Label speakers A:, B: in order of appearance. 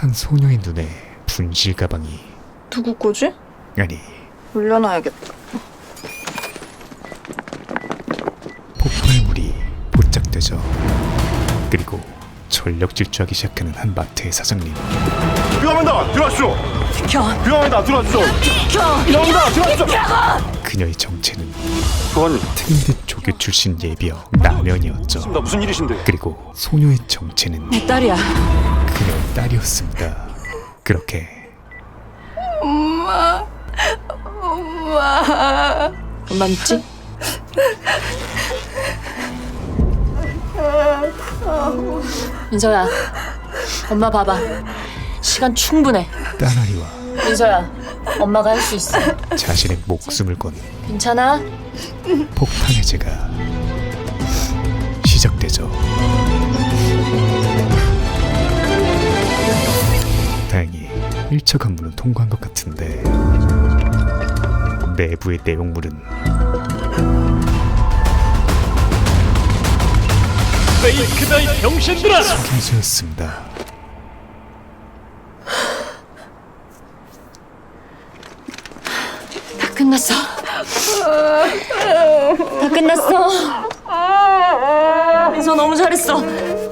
A: 한 소녀의 눈에 분실 가방이,
B: 누구 거지?
A: 아니
B: 올려놔야겠다.
A: 폭발물이 포착되죠. 그리고 전력 질주하기 시작하는 한 마트의 사장님.
C: 위험합니다. 들어가시오.
B: 비켜!
C: 위험합니다. 들어가시오.
B: 비켜!
C: 위험합니다. 들어가시오.
A: 그녀의 정체는
C: 교관님,
A: 특임대 조교 출신 예비역 라면이었죠.
C: 나 무슨 일이신데?
A: 그리고 소녀의 정체는
B: 내 딸이야.
A: 그녀의 딸이었습니다. 그렇게
B: 엄마 믿지? 민서야, 엄마 봐봐. 시간 충분해.
A: 딸아이와
B: 민서야, 엄마가 할 수 있어.
A: 자신의 목숨을 건
B: 괜찮아?
A: 폭탄 해제가 시작되죠. 다행히 1차 관문은 통과한 것 같은데 내부의 내용물은
C: 페이크다 이 병신들아!
A: 속임수였습니다.
B: 다 끝났어. 다 끝났어. 민서 너무 잘했어.